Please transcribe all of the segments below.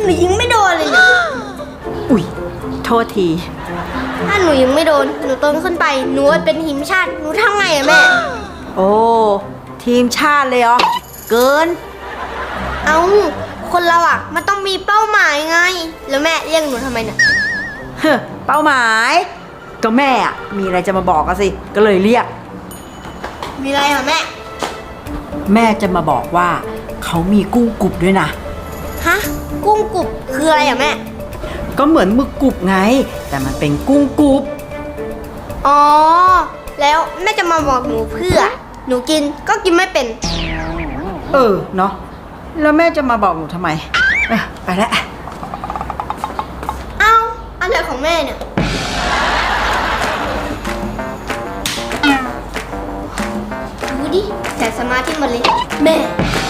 นูยิงไม่โดนเลยเนี่ยอุ๊ยโทษทีถ้าหนูยิงไม่โดนหนูโตขึ้นไปหนูเป็นทีมชาติหนูทำไงอะแม่โอ้ทีมชาติเลยเหรอเกินเอ้าคนเราอะมันต้องมีเป้าหมายไงแล้วแม่เรียกหนูทำไมเนี่ยเฮ้อเป้าหมายก็แม่อะมีอะไรจะมาบอกกันสิก็เลยเรียกมีอะไรเหรอแม่แม่จะมาบอกว่าเขามีกุ้งกรุบด้วยนะฮะกุ้งกรุบคืออะไรอะแม่ก็เหมือนหมึกกรุบไง แต่มันเป็นกุ้งกรุบอ๋อแล้วแม่จะมาบอกหนูเพื่อหนูกินก็กินไม่เป็นเนาะแล้วแม่จะมาบอกหนูทำไมไปแล้วเอ้าอะไรของแม่เนี่ยดูดิใส่สมาธิมาเลยแม่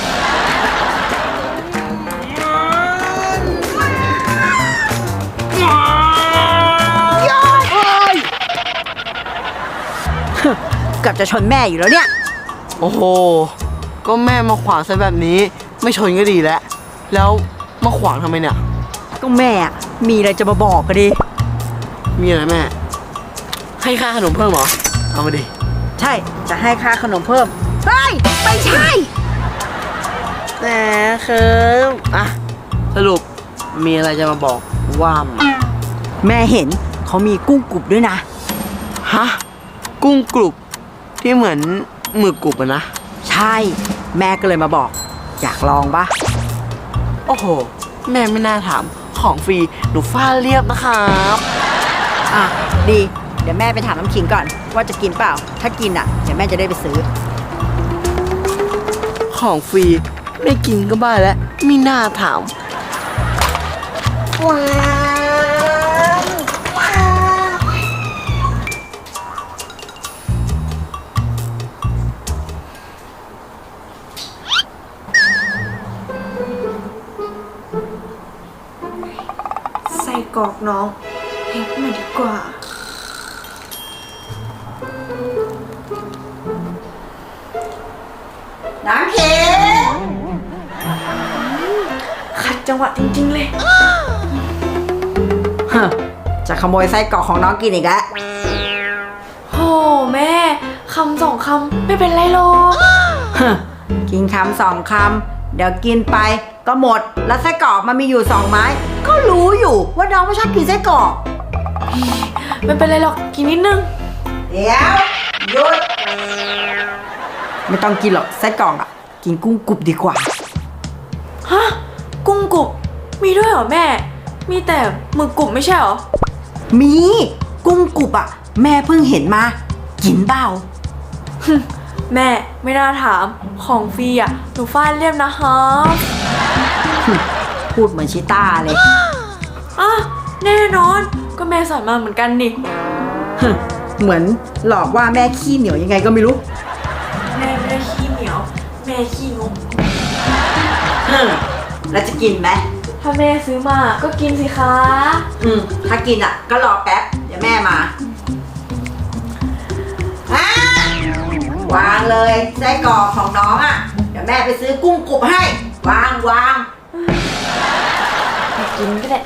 เกือบจะชนแม่อยู่แล้วเนี่ยโอ้โหก็แม่มาขวางซะแบบนี้ไม่ชนก็ดีแล้วแล้วมาขวางทำไมเนี่ยก็แม่มีอะไรจะมาบอกกันดิมีอะไรแม่ให้ค่าขนมเพิ่มเหรอเอามาดิใช่จะให้ค่าขนมเพิ่มเฮ้ยไม่ใช่แหมเคิมอ่ะสรุปมีอะไรจะมาบอกว่ามาแม่เห็นเขามีกุ้งกรุบด้วยนะฮะกุ้งกรุบที่เหมือนหมึกกรุบอะนะใช่แม่ก็เลยมาบอก อยากลองปะโอ้โหแม่ไม่น่าถามของฟรีหนูฟาดเรียบนะครับอ่ะดีเดี๋ยวแม่ไปถามน้ำขิงก่อนว่าจะกินเปล่าถ้ากินอ่ะเดี๋ยวแม่จะได้ไปซื้อของฟรีไม่กินก็บ้าแล้วไม่น่าถามว้าวว้าวใส่กรอกน้องเฮ็ดมาดีกว่าน้ำขิงขัดจังหวะจริงๆเลยจะขโมยไส้กรอกของน้องกินอีกแล้วโหแม่คำสองคำไม่เป็นไรหรอกกินคำสองคำเดี๋ยวกินไปก็หมดแล้วไส้กรอกมันมีอยู่2 ไม้ก็รู้อยู่ว่าน้องไม่ชอบกินไส้กรอกไม่เป็นไรหรอกกินนิดนึงเดี๋ยวหยุดไม่ต้องกินหรอกไส้กรอกอ่ะกินกุ้งกรุบดีกว่าฮะกุ้งกรุบมีด้วยเหรอแม่ มีแต่หมึกกรุบไม่ใช่เหรอมีกุ้งกรุบอ่ะแม่เพิ่งเห็นมากินเปล่าแม่ไม่น่าถามของฟรีอ่ะหนูฟาดเรียบนะฮะพูดเหมือนชิต้าเลยอ่ะแน่นอนก็แม่สอนมาเหมือนกันนี่เหมือนหลอกว่าแม่ขี้เหนียวยังไงก็ไม่รู้แม่ไม่ได้ขี้เหนียว แม่ขี้งกแล้วจะกินไหมถ้าแม่ซื้อมาก็กินสิคะถ้ากินอ่ะก็รอแป๊บเดี๋ยวแม่มา วางเลยไส้กรอกของน้องอ่ะเดี๋ยวแม่ไปซื้อกุ้งกรุบให้วางกินก็ได้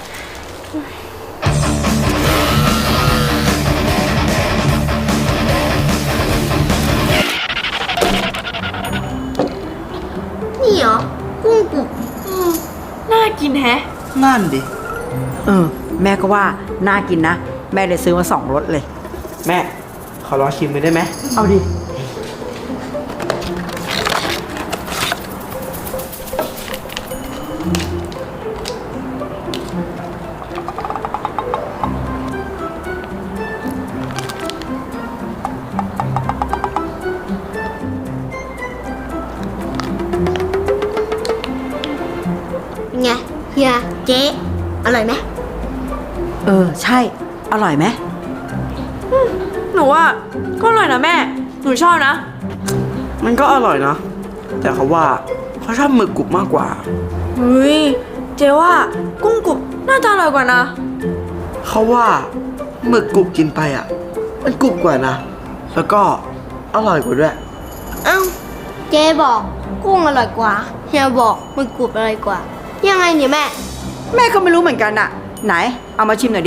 นี่เหรอกุ้งกรุบน่ากินแฮะนั่นดิแม่ก็ว่าน่ากินนะแม่เลยซื้อมา2 รสเลยแม่ขอลองชิมไปได้ไหมเอาดิเป็นไงเฮียเจ๊อร่อยไหมใช่อร่อยไหมหนูว่าก็อร่อยนะแม่ หนูชอบนะมันก็อร่อยนะแต่เขาว่าเขาชอบหมึกกรุบมากกว่าเฮ้ย เจ๊ว่ากุ้งกรุบน่าจะอร่อยกว่านะเขาว่าหมึกกรุบกินไปอ่ะมันกรุบกว่านะแล้วก็อร่อยกว่าด้วยเอ้าเจ๊บอกกุ้งอร่อยกว่าเฮียบอกมันกรุบอร่อยกว่ายังไงเนี่ยแม่แม่ก็ไม่รู้เหมือนกันอะไหน เอามาชิมหน่อยดิ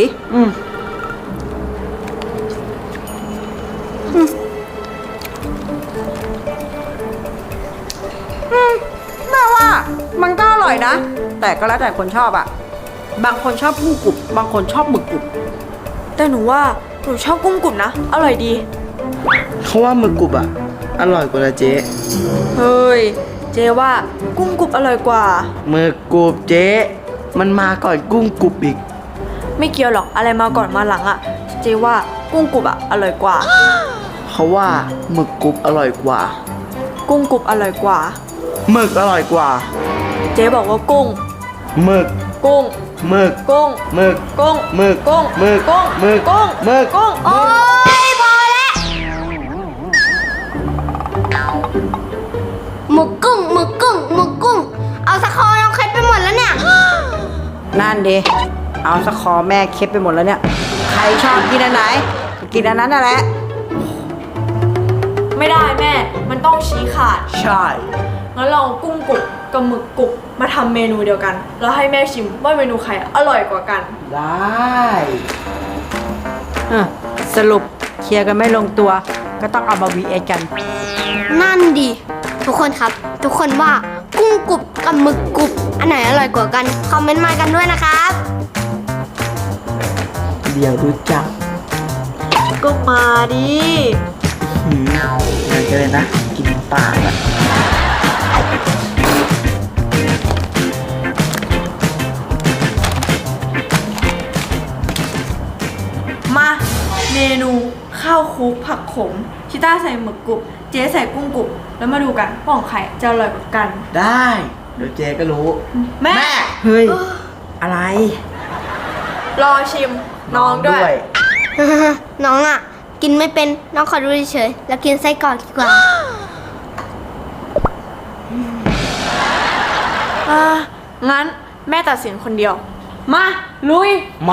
แม่ว่ามันก็อร่อยนะ แต่ก็แล้วแต่คนชอบอะบางคนชอบกุ้งกรุบบางคนชอบหมึกกรุบแต่หนูว่าหนูชอบกุ้งกรุบนะ อร่อยดีเขาว่าหมึกกรุบอะอร่อยกว่านะเจ๊เฮ้ย เจ๊ว่ากุ้งกรุบอร่อยกว่าหมึกกรุบเจ๊มันมาก่อนกุ้งกรุบอีกไม่เกี่ยวหรอกอะไรมาก่อนมาหลังอะเจ๊ว่ากุ้งกรุบอะอร่อยกว่าเขาว่าหมึกกรุบอร่อยกว่ากุ้งกรุบอร่อยกว่าหมึกอร่อยกว่าเจ๊บอกว่ากุ้งหมึกกุ้งหมึกกุ้งหมึกกุ้งหมึกกุ้งหมึกกุ้งหมึกกุ้งหมึกกุ้งโอ๊ยพอแล้วหมึกกุ้งหมึกกุ้งหมึกกุ้ง เอาสะคอน้องเคล็ดไปหมดแล้วเนี่ยนั่นดิเอาสะคอแม่เค็บไปหมดแล้วเนี่ย ใครชอบกินอันไหนก็กินอันนั้นนั่นแหละไม่ได้แม่ มันต้องชี้ขาดใช่งั้นเราเอากุ้งกรุบกับหมึกกรุบมาทำเมนูเดียวกัน แล้วให้แม่ชิมว่าเมนูใครอร่อยกว่ากันได้สรุปเคลียร์กันไม่ลงตัว ก็ต้องเอามา VS กันนั่นดิทุกคนครับ ทุกคนว่ากุ้งกรุบกับหมึกกรุบอันไหนอร่อยกว่ากัน คอมเมนต์มากันด้วยนะครับเดี๋ยวรู้จักก็มาดิงานกันเลยนะ กินปากอะมาเมนูข้าวคลุกผักขมชิต้าใส่หมึกกรุบเจ๊ใส่กุ้งกรุบแล้วมาดูกันว่าของใครจะอร่อยกว่ากันได้ เดี๋ยวเจ๊ก็รู้แม่เฮ้ย อะไรรอชิมน้องด้วยน้องอ่ะ กินไม่เป็นน้องขอดูเฉยๆแล้วกินไส้กรอกดีกว่างั้นแม่ตัดสินคนเดียว มา ลุยมา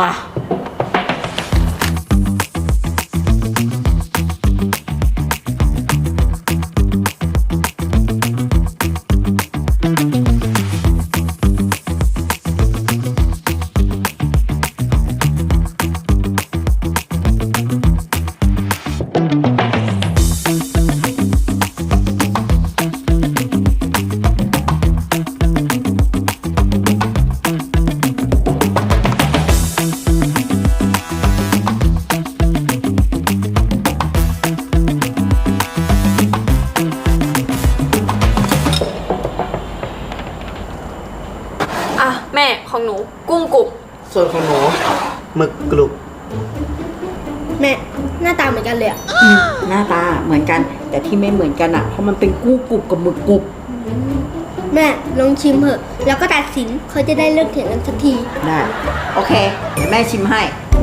อ่ะ แม่ของหนูกุ้งกรุบส่วนของหนูหมึกกรุบแม่ หน้าตาเหมือนกันเลยอ่ะหน้าตาเหมือนกัน แต่ที่ไม่เหมือนกันอะเพราะมันเป็นกุ้งกรุบกับหมึกกรุบแม่ลองชิมเถอะ แล้วก็ตัดสินเขาจะได้เลิกเถียงกันสักทีได้ โอเค เดี๋ยวแม่ชิมให้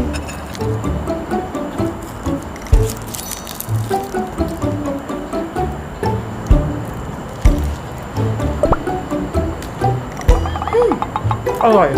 อร่อย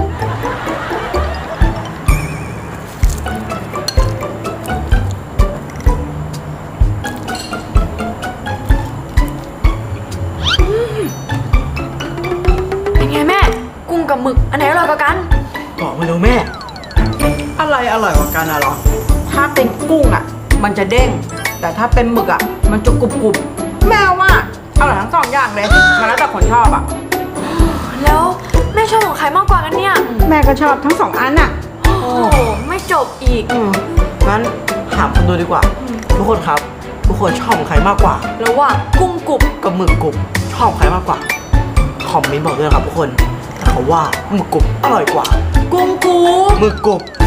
เป็นไงแม่ กุ้งกับหมึกอันไหนอร่อยกว่ากันบอกมาดูแม่ อะไรอร่อยกว่ากันอะเหรอถ้าเป็นกุ้งอะมันจะเด้ง แต่ถ้าเป็นหมึกอะมันจะกรุบกรุบแม่ว่าอร่อยทั้งสองอย่างเลยมันแล้วแต่คนชอบอะแล้วแม่ชอบของใครมากกว่ากันเนี่ยแม่ก็ชอบทั้งสองอันอะโอ้โหไม่จบอีกงั้นถามคนดูดีกว่า ทุกคนครับ ทุกคนชอบของใครมากกว่าแล้วว่ากุ้งกรุบกับหมึกกรุบชอบใครมากกว่า คอมเมนต์บอกด้วยนะครับทุกคนแต่เขาว่าหมึกกรุบอร่อยกว่ากุ้งกรุบหมึกกรุบ